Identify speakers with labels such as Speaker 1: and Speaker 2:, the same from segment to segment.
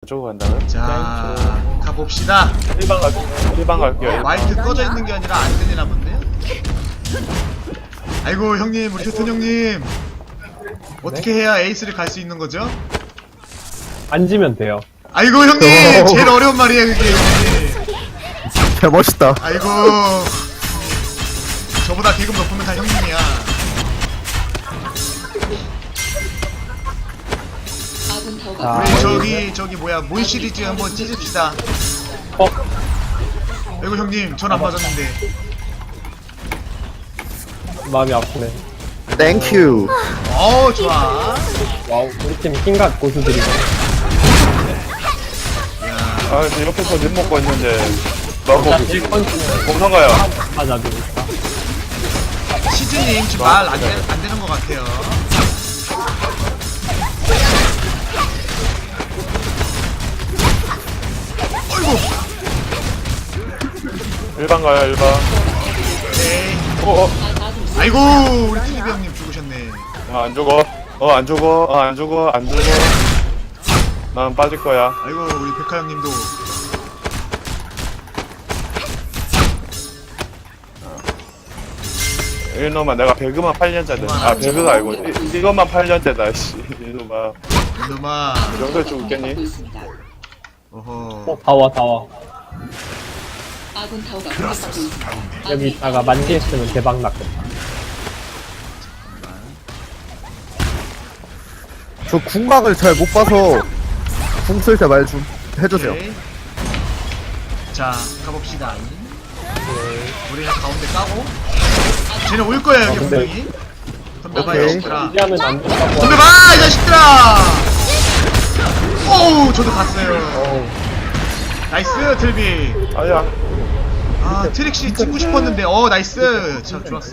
Speaker 1: 저쪽으로 간다고요?
Speaker 2: 자, 가봅시다.
Speaker 1: 1번 갈게요. 1번 갈게요.
Speaker 2: 마이크 꺼져 있는 게 아니라 안 들리나 본데요? 아이고 형님, 우리 효턴 형님 어떻게 해야 에이스를 갈 수 있는 거죠?
Speaker 3: 앉으면 돼요.
Speaker 2: 아이고 형님, 제일 어려운 말이에요 그게.
Speaker 4: 야, 멋있다.
Speaker 2: 아이고, 저보다 계급 높으면 다 형님이야.
Speaker 3: 자,
Speaker 2: 우리 저기 뭐야, 몬 시리즈 한번 찢읍시다. 아이고 형님, 전 안 맞았는데.
Speaker 3: 마음이 아프네.
Speaker 4: 땡큐.
Speaker 2: 좋아.
Speaker 3: 와우, 우리 팀 킹갓 고수들이네.
Speaker 1: 아, 저 옆에서 립 먹고 있는데 너무
Speaker 3: 1번째는
Speaker 1: 공상가요.
Speaker 3: 맞아주고 있다.
Speaker 2: 시즈님 지금 말 안 되는 것 같아요. 어이구.
Speaker 1: 1번 가요, 1번.
Speaker 2: 네. 아이고, 우리 TV 형님 죽으셨네.
Speaker 1: 안 죽어. 안 죽어. 안 죽어. 안 죽어. 난 빠질 거야.
Speaker 2: 아이고, 우리 백화 형님도.
Speaker 1: 이놈아, 내가 배그만 8년째다. 아, 배그가 아니고 이것만 8년째다. 씨, 이놈아.
Speaker 2: 이놈아.
Speaker 1: 이 정도 죽겠니?
Speaker 2: 어허.
Speaker 3: 다 와, 다 와.
Speaker 5: 아군 타워가 공격받고 있습니다.
Speaker 3: 여기 있다가 만지했으면 대박 났겠다.
Speaker 4: 저 궁각을 잘 못 봐서 궁 쓸 때 말 좀 해주세요.
Speaker 2: 오케이. 자, 가봅시다. 우리는 가운데 까고. 쟤는 올 거야, 여기
Speaker 3: 근데-
Speaker 2: 분명히. 덤벼봐, 이
Speaker 4: 오케이.
Speaker 2: 자식들아.
Speaker 3: 이제하면 안 된다고.
Speaker 2: 덤벼봐, 이 자식들아! 오우, 저도 갔어요.
Speaker 3: 어우,
Speaker 2: 나이스, 틀비.
Speaker 1: 아야.
Speaker 2: 아, 트릭시 찍고 싶었는데, 나이스. 참, 좋았어.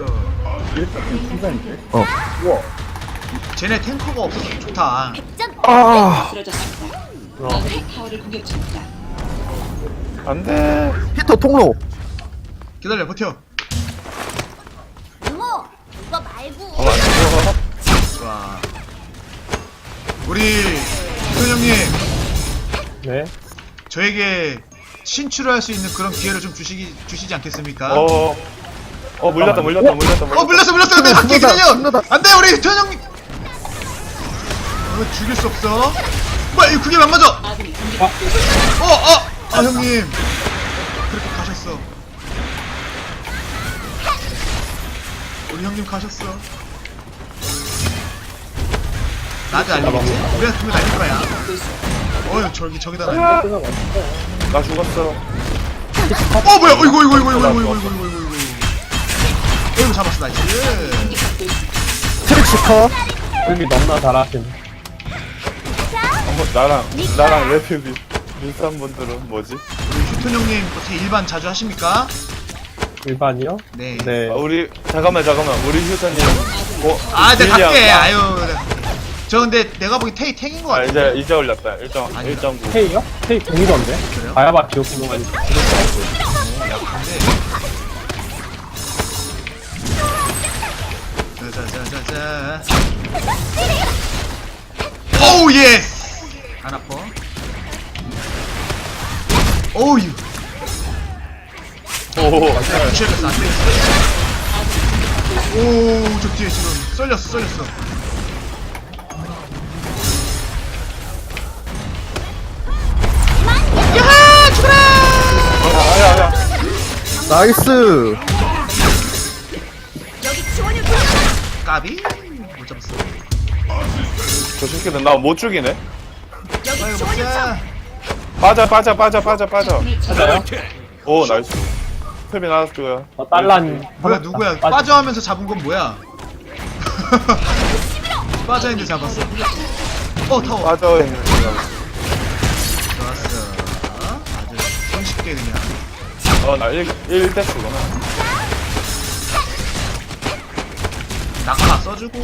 Speaker 2: 쟤네 탱커가 없어서 좋다.
Speaker 5: 쓰러졌습니다.
Speaker 3: 어.
Speaker 5: 아군이 타워를 공격 중입니다.
Speaker 1: 안 돼.
Speaker 4: 히터 통로.
Speaker 2: 기다려, 버텨.
Speaker 6: 이모, 그거 말고.
Speaker 1: 안 죽어.
Speaker 2: 좋아. 우리, 효선 형님,
Speaker 3: 네.
Speaker 2: 저에게 신출을 할 수 있는 그런 기회를 좀 주시지 않겠습니까?
Speaker 1: 물렸다.
Speaker 2: 물렸어. 근데 갈게, 기다려!
Speaker 4: 끝나다.
Speaker 2: 안 돼, 우리 효선 형님! 이거 죽일 수 없어. 뭐야, 이거 그게 안 맞아!
Speaker 5: 아군이 공격받고 있습니다.
Speaker 2: 형님. 그렇게 가셨어. 우리 형님 가셨어. 나도 알리겠지? 우리가 두면 날릴 거야. 저기다 날려.
Speaker 1: 나 죽었어.
Speaker 2: 뭐야, 어이구. 잡았어, 나이스.
Speaker 5: 공격받고 있습니다.
Speaker 4: 트릭시 커.
Speaker 3: 여기 너무나 잘하시네.
Speaker 1: 나랑 레벨 비슷한 분들은 뭐지?
Speaker 2: 우리 휴톤 형님 어떻게 일반 자주 하십니까?
Speaker 3: 일반이요?
Speaker 2: 네.
Speaker 3: 네.
Speaker 1: 우리 잠깐만 우리 휴선님
Speaker 2: 내가 갈게.
Speaker 1: 딜량.
Speaker 2: 아유. 저 근데 내가 보기 테이 탱인 것 같아.
Speaker 1: 이제 올렸다.
Speaker 2: 아니다.
Speaker 1: 1.9.
Speaker 3: K요? K 공이던데?
Speaker 2: 그래요?
Speaker 3: 바야바 기억구멍이.
Speaker 2: 자자자자자. 오우 예스. 안 아파. 오우 유.
Speaker 1: 오.
Speaker 2: 부셔졌어, 안 되겠어. 오, 저 뒤에 지금 썰렸어. 야하, 죽어라!
Speaker 1: 아야.
Speaker 4: 나이스.
Speaker 2: 까비? 못 잡았어.
Speaker 1: 저 새끼는 나 못 죽이네.
Speaker 2: 아이고, 먹자.
Speaker 1: 빠져.
Speaker 3: 맞아요?
Speaker 1: 오, 나이스. 탭이 나왔고요.
Speaker 3: 딸란.
Speaker 2: 뭐야, 누구야? 빠져 하면서 잡은 건 뭐야? 빠져 있는데 잡았어. 타워.
Speaker 1: 빠져 있는
Speaker 2: 좋았어. 아주 손쉽게 그냥.
Speaker 1: 나 1대스구나.
Speaker 2: 낙하 써주고.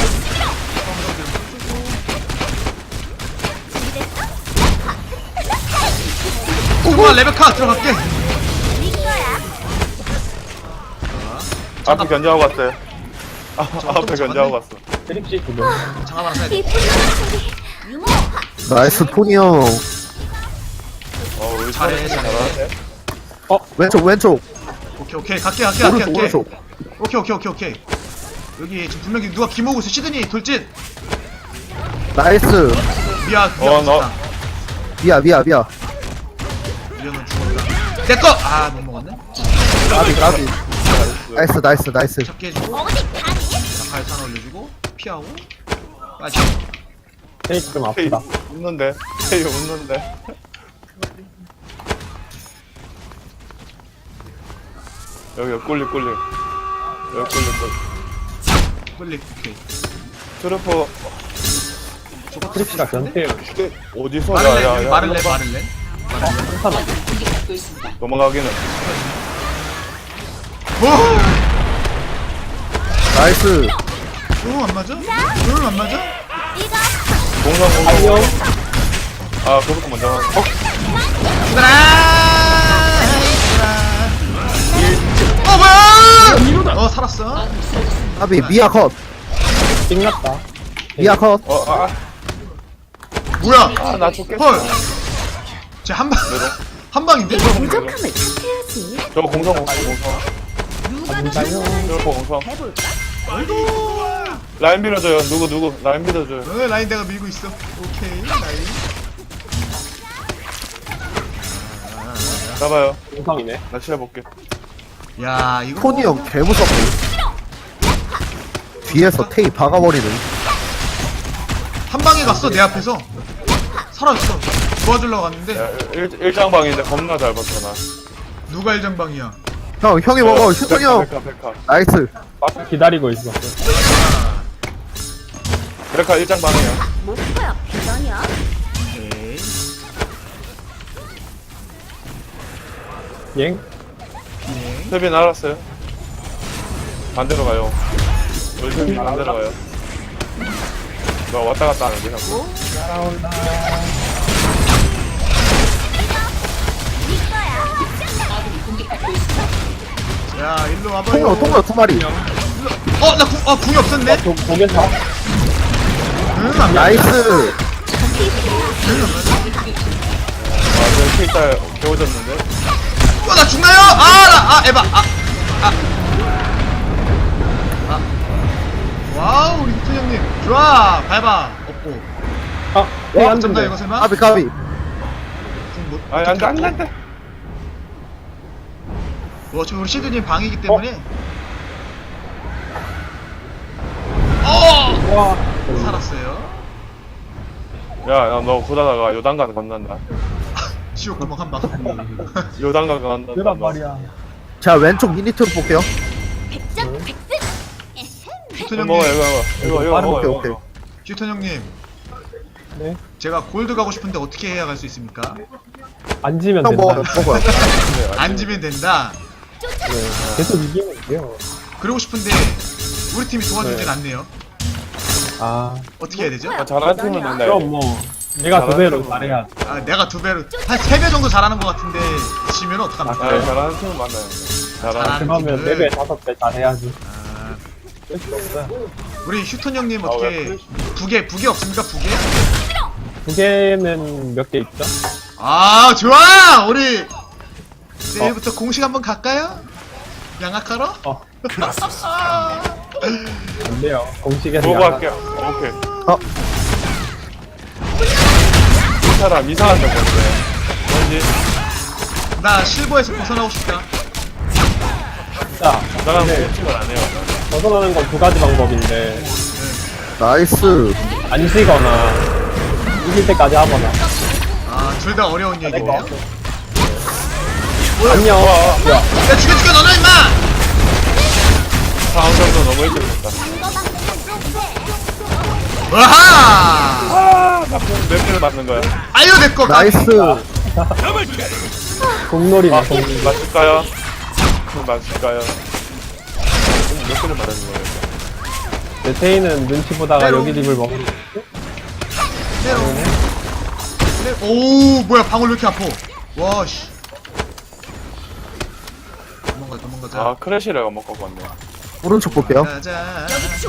Speaker 2: 오구야, 레베카 들어갈게.
Speaker 1: 앞에 견제하고 갔어요. 앞에 견제하고 갔어.
Speaker 3: 트릭시 두분.
Speaker 2: 장갑 하나 써야 돼.
Speaker 6: 유모,
Speaker 4: 나이스 토니 형.
Speaker 2: 잘해.
Speaker 4: 왼쪽 왼쪽
Speaker 2: 오케이 갈게.
Speaker 4: 오른쪽 오른쪽
Speaker 2: 오케이. 여기 지금 분명히 누가 김호구 있어. 시드니 돌진.
Speaker 4: 나이스
Speaker 2: 미야
Speaker 1: 너.
Speaker 4: 미야
Speaker 2: 미야는 죽었다. 내꺼! 아 못 먹었네.
Speaker 4: 까비 나이스
Speaker 2: 잡게 해주고 발탄 올려주고 피하고 빠지.
Speaker 3: 테이크 좀
Speaker 1: 헤이
Speaker 3: 아프다.
Speaker 1: 웃는데. 헤이 웃는데. 여기 꿀리. 여기 꿀리.
Speaker 2: 빨리 오케이.
Speaker 1: 트루퍼
Speaker 3: 크리스가 변태
Speaker 1: 어디서
Speaker 2: 마를렌
Speaker 1: 야.
Speaker 2: 마를렌
Speaker 3: 한판하게.
Speaker 5: 공격받고 있습니다.
Speaker 1: 넘어가기는.
Speaker 4: 나이스
Speaker 2: 안 맞아? 안 맞아?
Speaker 1: 공성.
Speaker 3: 안녕.
Speaker 1: 아 그것도 먼저.
Speaker 2: 뭐야? 살았어.
Speaker 4: 까비 미야 컷
Speaker 3: 띵났다.
Speaker 4: 미야 컷
Speaker 2: 뭐야?
Speaker 1: 나 죽겠어.
Speaker 2: 헐. 쟤 한 방인데?
Speaker 1: 저 공성.
Speaker 3: 안가요.
Speaker 1: 트루퍼 공성. 라인 밀어줘요. 누구 라인 밀어줘요.
Speaker 2: 라인 내가 밀고 있어. 오케이 라인.
Speaker 1: 잡아요.
Speaker 3: 공성이네.
Speaker 1: 나 치워볼게.
Speaker 2: 야 이거
Speaker 4: 토니 형 개무섭네 뒤에서 테이 박아버리는
Speaker 2: 한 방에 갔어 내 앞에서. 사라졌어. 도와주려고 갔는데
Speaker 1: 야, 일장방인데 겁나 잘 버텨나.
Speaker 2: 누가 일장방이야?
Speaker 4: 형이 먹어 휴토니 형
Speaker 1: 백카.
Speaker 4: 나이스
Speaker 3: 막 기다리고 있어.
Speaker 1: 백카 일장방이야.
Speaker 2: 오케이.
Speaker 3: 엥?
Speaker 1: 세빈 알았어요. 반대로 가요. 우리 세빈 반대로 가요. 너 왔다 갔다 하는데 자꾸.
Speaker 3: 날아온다.
Speaker 5: 아군이 공격받고 있습니다.
Speaker 2: 야 일로 와봐요.
Speaker 4: 통로 두 마리
Speaker 2: 나 궁이 없었네.
Speaker 3: 고개사.
Speaker 2: 안 돼.
Speaker 4: 나이스
Speaker 1: 저 킬딸 개워졌는데.
Speaker 2: 나 죽나요? 에바. 와우 우리 후토 형님 좋아. 밟아. 없고.
Speaker 3: 아, 왜 안
Speaker 2: 잡나
Speaker 3: 된대?
Speaker 2: 이거 설마?
Speaker 4: 까비
Speaker 2: 궁 뭐-
Speaker 1: 아니 안돼.
Speaker 2: 지금 우리 시드님 방이기 때문에
Speaker 3: 와.
Speaker 2: 살았어요.
Speaker 1: 야너 보다가 요단강 건넌다.
Speaker 2: 지옥 구멍 한 방.
Speaker 1: 요단강 건넌다.
Speaker 3: 그란 말이야.
Speaker 4: 자 왼쪽 미니트로 볼게요
Speaker 2: 휴톤
Speaker 1: 이거 먹어
Speaker 2: 형님,
Speaker 1: 이거
Speaker 3: 빠른
Speaker 1: 먹어.
Speaker 4: 오케이, 오케이.
Speaker 2: 휴톤 형님,
Speaker 3: 네.
Speaker 2: 제가 골드 가고 싶은데 어떻게 해야 갈 수 있습니까?
Speaker 3: 안 지면
Speaker 4: 형
Speaker 3: 된다.
Speaker 4: 먹어요
Speaker 2: 안 지면 된다.
Speaker 3: 네. 계속 이기면 돼요.
Speaker 2: 그러고 싶은데 우리 팀이 도와주진
Speaker 3: 네.
Speaker 2: 않네요.
Speaker 3: 아,
Speaker 2: 어떻게 해야 되죠?
Speaker 1: 잘하는 팀은 된다.
Speaker 3: 그럼 뭐 내가 두 배로 잘해야.
Speaker 2: 내가 두 배로 한 3배 정도 잘하는 것 같은데 지면 어떡합니까?
Speaker 1: 아, 잘하는 팀은 맞나요? 잘하는 팀.
Speaker 3: 그러면
Speaker 2: 팀은-
Speaker 3: 4배, 5배 잘해야지.
Speaker 2: 아,
Speaker 3: 쓸수 없어요.
Speaker 2: 우리 휴톤 형님
Speaker 1: 왜
Speaker 2: 어떻게 부계 없습니까? 부계?
Speaker 3: 두 개는 몇 개 있죠?
Speaker 2: 아 좋아! 우리 내일부터 공식 한번 갈까요? 양악하러?
Speaker 3: 안 돼요. 공식에서.
Speaker 1: 보고
Speaker 3: 약간-
Speaker 1: 할게요. 오케이.
Speaker 4: 어
Speaker 1: 이 사람 이상한 데 뭔데? 뭔지?
Speaker 2: 나 실버에서 벗어나고 싶다.
Speaker 3: 자,
Speaker 1: 나랑
Speaker 3: 네.
Speaker 1: 공식을 안 해요.
Speaker 3: 벗어나는 건 두 가지 방법인데,
Speaker 4: 나이스
Speaker 3: 안 지거나, 이길 때까지 하거나.
Speaker 2: 둘 다 어려운 얘기네요.
Speaker 3: 안녕. 야,
Speaker 2: 야 죽여 너는 임마!
Speaker 1: 상황 정도 너무 일찍 됐다.
Speaker 2: 와하!
Speaker 1: 몇 개를 맞는 거야?
Speaker 2: 아유 내꺼
Speaker 4: 나이스
Speaker 3: 공놀이네, 공놀이.
Speaker 1: 맞을까요? 맞을까요? 몇 개를 맞는 거예요?
Speaker 3: 내 테이는 눈치 보다가
Speaker 2: 때로.
Speaker 3: 여기 집을 먹는
Speaker 2: 오 뭐야 방울 왜 이렇게 아파? 와씨. 도망가자.
Speaker 1: 아 크래시를 안 먹고 갔네.
Speaker 4: 오른쪽 볼게요
Speaker 2: 가자.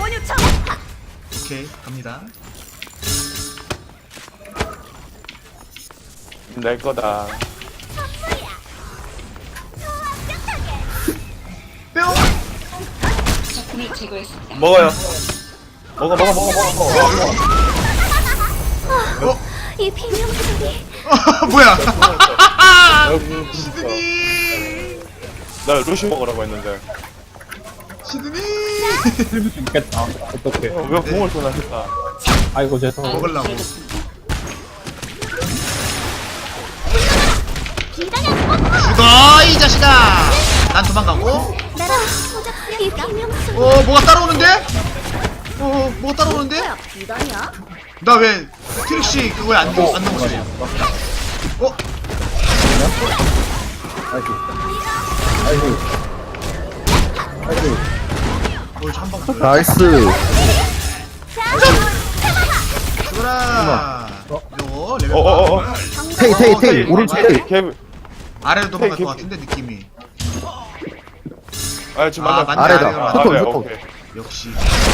Speaker 2: 오케이 갑니다.
Speaker 1: 내 거다.
Speaker 5: 적군을 제거했습니다.
Speaker 1: 먹어요. 먹어.
Speaker 6: 이 비명소리.
Speaker 2: 뭐야?
Speaker 1: 여기
Speaker 2: 시드니.
Speaker 1: 나 루시 먹으라고 했는데.
Speaker 2: 시드니.
Speaker 3: 있겠다. 어떡해.
Speaker 1: 왜 공을 쏘나 했다.
Speaker 3: 아이고, 죄송.
Speaker 2: 먹으려고. 죽어 이 자식아. 난 도망가고.
Speaker 6: 나랑 이 비명소리.
Speaker 2: 뭐가 따라오는데? 뭐가 따라오는데?
Speaker 6: 비단이야?
Speaker 2: 나 왜 트릭시 그거에 안 넘어지지? 한방
Speaker 4: 나이스.
Speaker 2: 죽어라. 요거 레벨
Speaker 4: 테이 오른쪽 테이.
Speaker 1: 걔
Speaker 2: 아래로 도망갈 것 같은데 느낌이.
Speaker 1: 아 지금
Speaker 2: 아,
Speaker 1: 만나.
Speaker 2: 맞네.
Speaker 4: 아래다.
Speaker 2: 아래로
Speaker 4: 포톤,
Speaker 1: 네,
Speaker 4: 포톤.
Speaker 1: 오케이.
Speaker 2: 역시.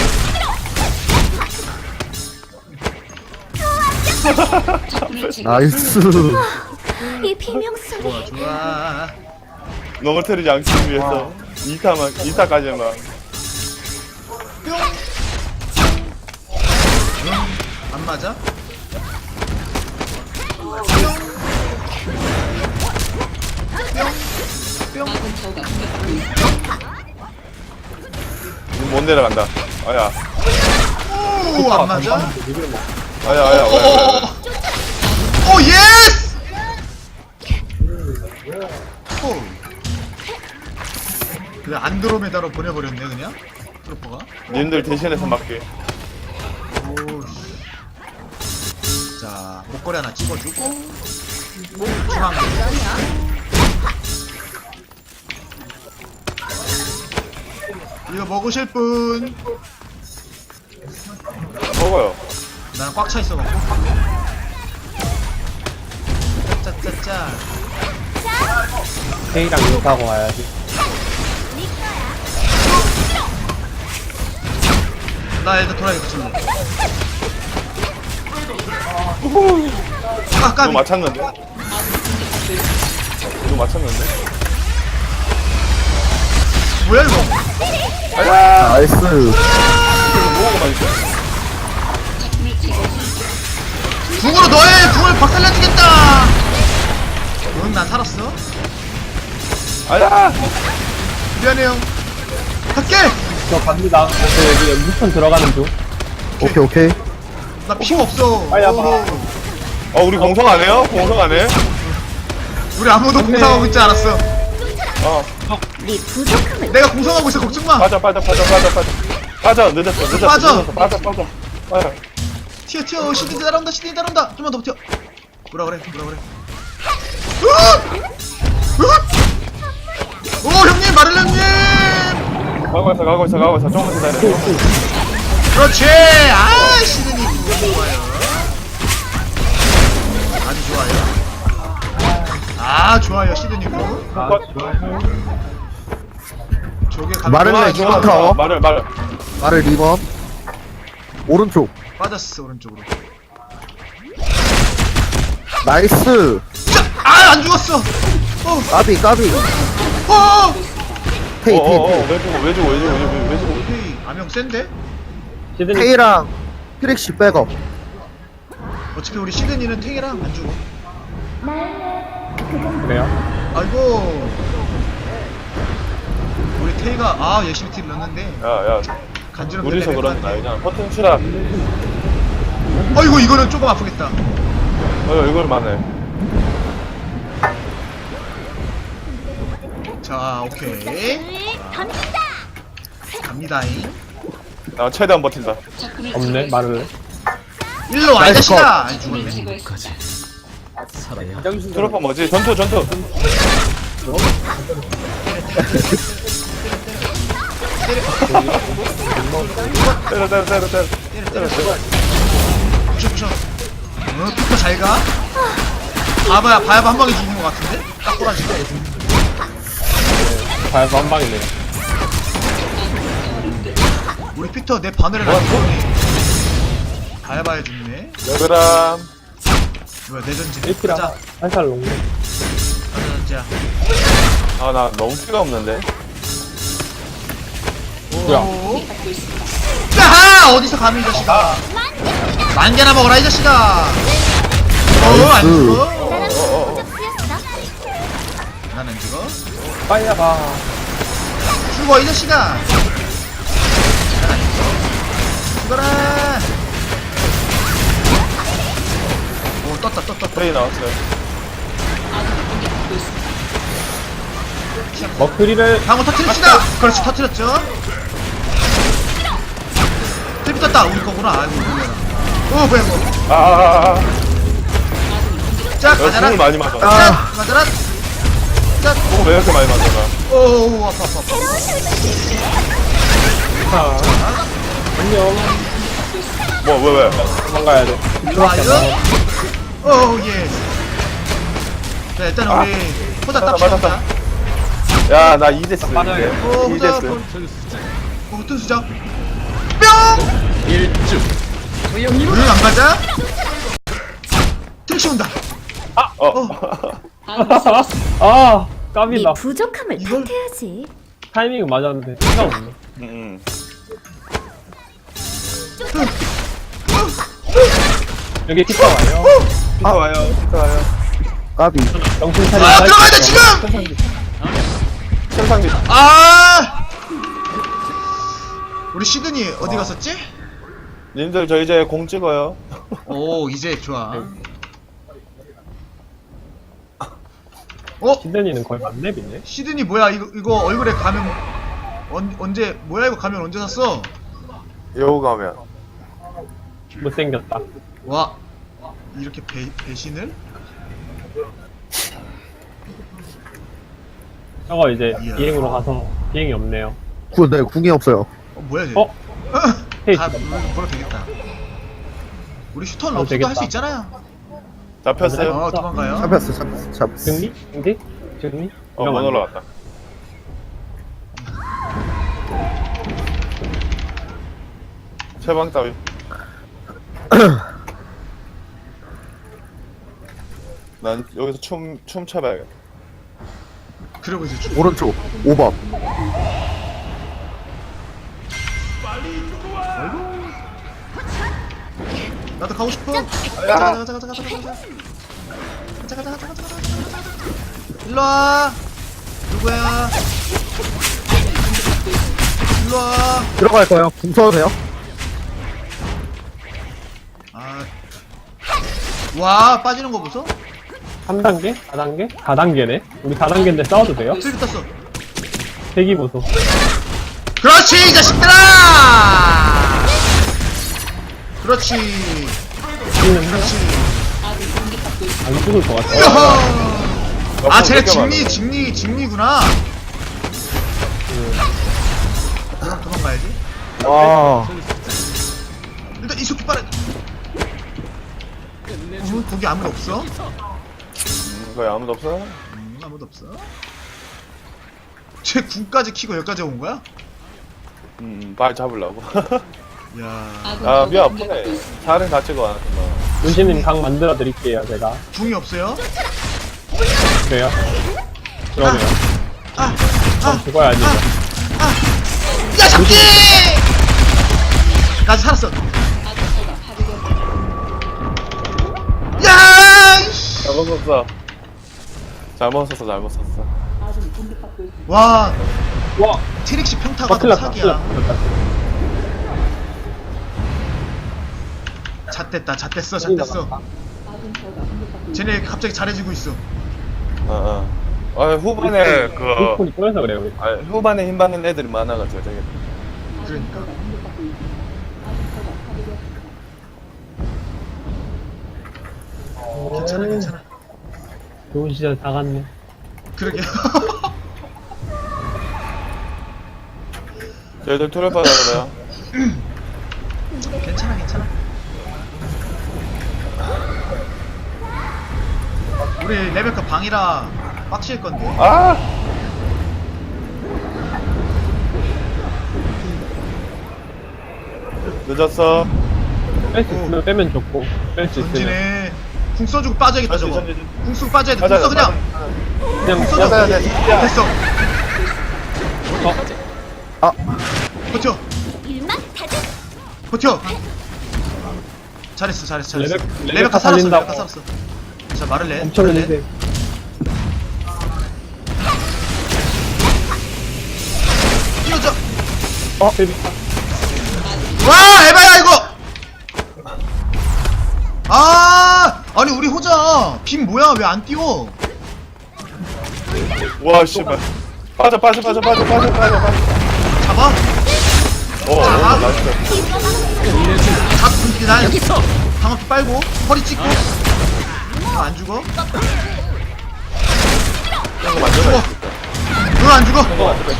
Speaker 5: 적군을 제거.
Speaker 4: 나이스.
Speaker 6: 이 비명소리.
Speaker 2: 좋아.
Speaker 1: 넘어뜨리지 않기 위해서 2타까지만.
Speaker 2: 안 맞아?
Speaker 5: 아군 타워가 공격받고 있습니다.
Speaker 1: 못 내려간다. 아야.
Speaker 2: 오, 안 맞아?
Speaker 1: 아야.
Speaker 2: 오, 예스! 오. 그냥 안드로메다로 보내버렸네, 그냥? 트로퍼가?
Speaker 1: 님들 대신해서 맞게.
Speaker 2: 오. 자, 목걸이 하나 찍어주고. 중앙. 이거 먹으실 분?
Speaker 1: 먹어요.
Speaker 2: 나는 꽉 차 있어갖고. 짜짜짜.
Speaker 3: 테이랑 인사하고 와야지.
Speaker 2: 나 일단 돌아야겠다, 지금. 아,
Speaker 1: 이거
Speaker 2: 까비.
Speaker 1: 맞췄는데? 이거 맞췄는데?
Speaker 2: 뭐야, 이거?
Speaker 4: 나이스.
Speaker 1: 먹어만 있어.
Speaker 5: 적군을 제거했습니다.
Speaker 2: 궁으로 너의 궁을 박살내주겠다! 응, 난 살았어.
Speaker 1: 아야!
Speaker 2: 미안해요. 갈게!
Speaker 3: 저 갑니다. 저 여기 무슨 들어가는 중.
Speaker 4: 오케이.
Speaker 2: 나 피가 없어.
Speaker 3: 빨리 와봐.
Speaker 2: 오.
Speaker 1: 우리 공성 안 해요? 공성 안 해?
Speaker 2: 우리 아무도 공성하고 있지 않았어.
Speaker 6: 네 부족함을.
Speaker 2: 내가 공성하고 있어, 걱정 마.
Speaker 1: 빠져. 늦었어.
Speaker 2: 빠져.
Speaker 1: 빠져.
Speaker 2: 튀어. 시드니 따라온다. 좀만 더 버텨. 뭐라 그래. 오, 형님, 마를렌 형님!
Speaker 1: 가고 있어. 조금만 기다려.
Speaker 2: 그렇지! 아, 시드니 좋아요. 아주 좋아요. 좋아요, 시드니 구. 저게 가면
Speaker 4: 마를렌
Speaker 2: 좋아.
Speaker 4: 타워.
Speaker 1: 말을.
Speaker 4: 리번. 오른쪽.
Speaker 2: 빠졌어, 오른쪽으로.
Speaker 4: 나이스.
Speaker 2: 안 죽었어!
Speaker 4: 까비. 테이.
Speaker 1: 왜 주고.
Speaker 2: 오케이. 암영 센데?
Speaker 3: 시드니
Speaker 4: 테이랑 트릭시 백업.
Speaker 2: 어차피 우리 시드니는 탱이랑 안 죽어.
Speaker 3: 그래요?
Speaker 2: 아이고. 우리 테이가, 열심히 딜 넣었는데,
Speaker 1: 야.
Speaker 2: 간지럼
Speaker 1: 우리서
Speaker 2: 내려갈
Speaker 1: 그런
Speaker 2: 것
Speaker 1: 거
Speaker 2: 같아.
Speaker 1: 아니잖아. 버튼 치라.
Speaker 2: 아이고, 이거는 조금 아프겠다.
Speaker 1: 이걸 만해.
Speaker 2: 자, 오케이.
Speaker 6: 던진다.
Speaker 2: 갑니다잉.
Speaker 1: 나 최대한 버틴다.
Speaker 5: 적군을
Speaker 3: 없네, 말을.
Speaker 2: 일로 와, 이
Speaker 4: 나이스
Speaker 2: 자식아! 아니,
Speaker 5: 적군을
Speaker 2: 죽었네.
Speaker 5: 제거했습니다.
Speaker 1: 트로퍼 뭐지? 전투. 때려.
Speaker 2: 부셔. 피터 잘 가? 바야바 한 방에 죽은 것 같은데? 딱 꼬라지가.
Speaker 3: 발도 한 방이네.
Speaker 2: 우리 피터 내 바늘을 안 죽었네. 바야바에 죽네.
Speaker 1: 여그람.
Speaker 2: 뭐야, 내 전지.
Speaker 3: 1kg
Speaker 2: 가자.
Speaker 3: 살살 녹네.
Speaker 2: 가자.
Speaker 1: 나 너무 피가 없는데.
Speaker 3: 뭐야?
Speaker 2: 야하! 어디서 감히 이 자식아. 만개나 먹어라 이 자식아. 안 죽어?
Speaker 6: 나랑 도적 쓰였어.
Speaker 2: 나는 죽어?
Speaker 3: 빨리 가.
Speaker 2: 죽어 이 자식아. 난안 죽어. 죽어라. 오 떴다.
Speaker 1: 프레이 나왔어요.
Speaker 3: 머크리를
Speaker 2: 방어 터트립시다. 그렇지 터트렸죠. 트립 떴다. 우리 거구나. 아이고 놀래라. 뭐야 이거. 자
Speaker 1: 내가
Speaker 2: 가자라.
Speaker 1: 공을 많이 맞아.
Speaker 2: 자 가자라. 자.
Speaker 1: 공을 왜 이렇게 많이 맞아?
Speaker 2: 오 아파.
Speaker 3: 안녕.
Speaker 1: 왜?
Speaker 3: 도망가야 돼.
Speaker 2: 좋아요. 오 예. 자 일단 우리 포자
Speaker 1: 맞았다.
Speaker 2: 땁시다.
Speaker 1: 야, 나 이데스.
Speaker 3: 맞아요.
Speaker 2: 오 포자.
Speaker 1: 이데스.
Speaker 2: 오 뜬수자. 뿅. 안 맞아? 트릭시 온다.
Speaker 3: 아,
Speaker 6: 네
Speaker 3: 까비다.
Speaker 6: 부족함을
Speaker 2: 이걸-
Speaker 6: 탓해야지.
Speaker 3: 타이밍은 맞았는데 생각 없네. 여기 피터 와요.
Speaker 1: 와요.
Speaker 4: 까비.
Speaker 3: 정신 차려.
Speaker 2: 아 들어가야 돼 지금.
Speaker 1: 천상비.
Speaker 2: 아. 우리 시드니 어디 갔었지?
Speaker 1: 님들 저 이제 공 찍어요.
Speaker 2: 오 이제 좋아.
Speaker 3: 시드니는 거의 만렙이네.
Speaker 2: 시드니 뭐야 이거 얼굴에 가면 언제 뭐야 이거 가면 언제 샀어?
Speaker 1: 여우 가면.
Speaker 3: 못생겼다.
Speaker 2: 와 이렇게 배신을?
Speaker 3: 저거 이제
Speaker 2: 이야.
Speaker 3: 비행으로 가서 비행이 없네요.
Speaker 4: 네, 궁이 없어요.
Speaker 2: 뭐야 쟤?
Speaker 3: 어? 헤이.
Speaker 2: 뭐라 되겠다. 우리 슈터는
Speaker 3: 어,
Speaker 2: 없어도
Speaker 3: 되겠다.
Speaker 2: 할 수 있잖아요.
Speaker 1: 잡혔어요?
Speaker 2: 도망가요.
Speaker 4: 잡혔어.
Speaker 3: 승리? 승리? 승리?
Speaker 1: 못
Speaker 3: 이러면 안 돼.
Speaker 1: 올라갔다. 최방 따위. 난 여기서 춤 춰봐야겠다.
Speaker 2: 그리고 이제
Speaker 4: 오른쪽 5번.
Speaker 2: 나도 가고 싶어. 가자. 일로 와. 누구야? 일로 와.
Speaker 4: 들어갈 거예요. 궁 써도 돼요?
Speaker 2: 아. 와 빠지는 거 보소?
Speaker 3: 3단계? 4단계? 4단계네? 우리 4단계인데 싸워도 돼요?
Speaker 2: 트리비 떴어.
Speaker 3: 대기 보소.
Speaker 2: 그렇지 이 자식들아. 그렇지.
Speaker 3: 죽이는 해요?
Speaker 2: 그렇지.
Speaker 3: 안 죽을 것 같아.
Speaker 2: 이야. 아 쟤네 직리구나. 그럼 도망가야지.
Speaker 4: 와.
Speaker 2: 일단 이속기 빠르. 거기 아무도 없어?
Speaker 1: 거기 아무도 없어?
Speaker 2: 아무도 없어. 쟤 군까지 키고 여기까지 온 거야?
Speaker 1: 말 잡으려고.
Speaker 2: 야,
Speaker 1: 아, 미 아프네. 살은 다 찍어 왔구만.
Speaker 3: 문신님 강 만들어 드릴게요, 제가.
Speaker 2: 궁이 없어요?
Speaker 3: 그래요? 그러네요.
Speaker 2: 아,
Speaker 3: 그럼 죽어야지.
Speaker 2: 야 잡기! 까지 살았어. 야! 이씨.
Speaker 1: 잘못 썼어. 잘못 썼어.
Speaker 2: 와,
Speaker 3: 와!
Speaker 2: 트릭시 평타가
Speaker 3: 큰일
Speaker 2: 너무
Speaker 3: 났다.
Speaker 2: 사기야. 잣됐어. 쟤네 갑자기 잘해지고 있어.
Speaker 1: 후반에
Speaker 3: 폰이 꼬여서 그래요, 우리.
Speaker 1: 후반에 힘 받는 애들이 많아가지고 되게.
Speaker 2: 그러니까. 괜찮아.
Speaker 3: 좋은 시절 다 갔네.
Speaker 2: 그러게.
Speaker 1: 저희들 투를 받아요.
Speaker 2: 괜찮아. 우리 레베카 방이라 빡칠 건데.
Speaker 1: 아! 늦었어.
Speaker 3: 뺄 수 있으면 빼면 좋고, 뺄 수 있으면.
Speaker 2: 전진해. 궁 써주고 빠져야겠다 저거.
Speaker 1: 전진.
Speaker 2: 궁 쓰고 빠져야 돼. 궁 써 그냥.
Speaker 3: 그냥
Speaker 2: 써줘.
Speaker 1: 맞아야 돼.
Speaker 2: 됐어. 버텨.
Speaker 6: 일만 다져.
Speaker 2: 버텨. 잘했어.
Speaker 3: 레베카
Speaker 2: 살았어.
Speaker 3: 살린다고.
Speaker 2: 레베카 살았어. 자, 말을 내.
Speaker 3: 엄청
Speaker 2: 말을 내.
Speaker 3: 힘세.
Speaker 2: 뛰어져.
Speaker 3: 베비.
Speaker 2: 와, 에바야 이거. 아니 우리 호자 빔 뭐야? 왜 안 뛰어?
Speaker 1: 와 씨발. 빠져.
Speaker 2: 잡아.
Speaker 1: 나이스.
Speaker 2: 잡고 난 방어피 빨고 허리 찍고. 안 죽어?
Speaker 1: 이거 만들어.
Speaker 2: 너 안 죽어?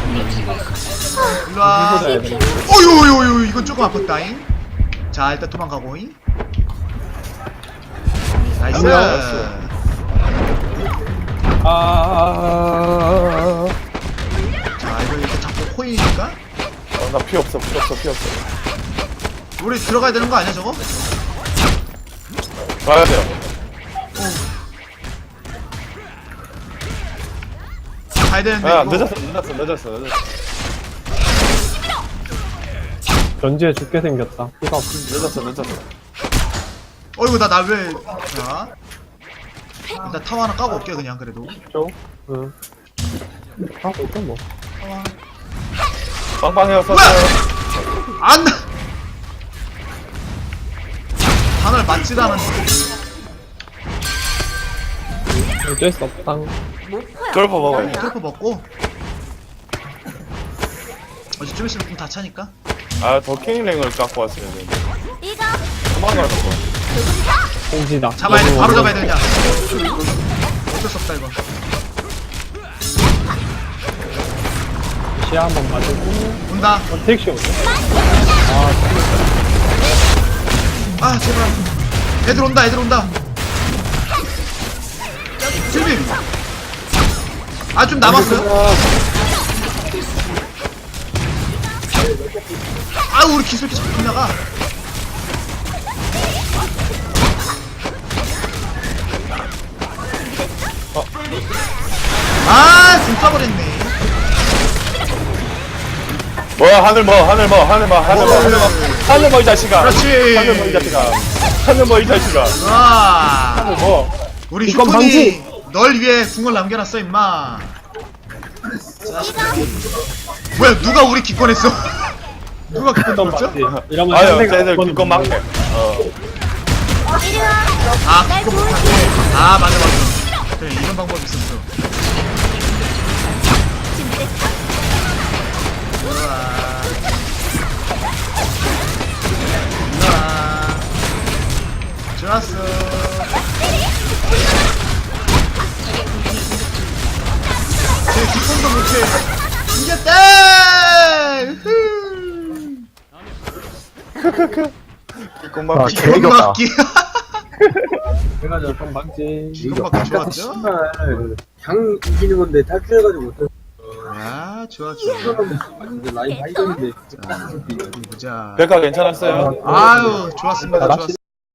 Speaker 2: 일로와. 어유 이건 조금 아팠다잉. 자 일단 도망가고잉. 나이스. 자 이거 이렇게 잡고 코인이니까
Speaker 1: 나 피 없어.
Speaker 2: 우리 들어가야 되는 거 아니야 저거?
Speaker 1: 가야 돼요.
Speaker 2: 가야 되는데
Speaker 1: 야
Speaker 2: 이거.
Speaker 1: 늦었어.
Speaker 3: 전지에 죽게 생겼다. 피가 없어.
Speaker 1: 늦었어.
Speaker 2: 어이구 나 왜? 자 일단 타워 하나 까고 올게 그냥 그래도.
Speaker 3: 응. 하고 있어 뭐.
Speaker 1: 빵빵해서
Speaker 2: 뭐야? 안. 단을 맞지도 않았는데.
Speaker 3: 어쩔 수 없다.
Speaker 1: 돌파 먹어요.
Speaker 2: 텔포 먹고. 어제 좀 있으면 다 차니까.
Speaker 1: 더 킹링을 갖고 왔어야 되는데.
Speaker 6: 이거
Speaker 1: 도망가는 거.
Speaker 3: 공지다.
Speaker 2: 잡아야 돼. 바로 잡아야 돼 그냥. 어쩔 수 없다 이거.
Speaker 3: 시야 한번 맞고.
Speaker 2: 온다.
Speaker 3: 택시 오네.
Speaker 2: 아 제발. 애들 온다. 실비. 좀 남았어요. 우리 기술기 자꾸 빗나가. 좀 써버렸네.
Speaker 1: 뭐야 하늘 뭐 이 자식아.
Speaker 2: 그렇지.
Speaker 1: 하늘 뭐 이 자식아.
Speaker 2: 와.
Speaker 1: 뭐.
Speaker 2: 우리
Speaker 3: 이건
Speaker 2: 슈톤이 널 위해 궁을 남겨놨어 임마. 뭐야 누가 우리 기권했어? 누가 기권
Speaker 3: 던
Speaker 2: 들었죠?
Speaker 3: 맞지? 이러면
Speaker 1: 아유
Speaker 3: 상대가
Speaker 1: 쟤들
Speaker 3: 한번
Speaker 1: 기껏 막네.
Speaker 6: 이리 와.
Speaker 2: 기권 못하네. 맞아. 그래 이런 방법이 있었어. 좋았어. 제 기권도 못해. 이겼다!
Speaker 1: 기껏
Speaker 4: 아,
Speaker 1: 막.
Speaker 4: 개이겼다.
Speaker 2: 기권 맞기.
Speaker 3: 내가 저좀 막지.
Speaker 2: 기권 맞기 좋았죠?
Speaker 7: 장 이기는 건데 탈출해가지고 못해.
Speaker 2: 좋아.
Speaker 7: 라인 발전인데.
Speaker 2: 보자.
Speaker 1: 백화 괜찮았어요?
Speaker 2: 아유, 좋았습니다.
Speaker 3: 낚시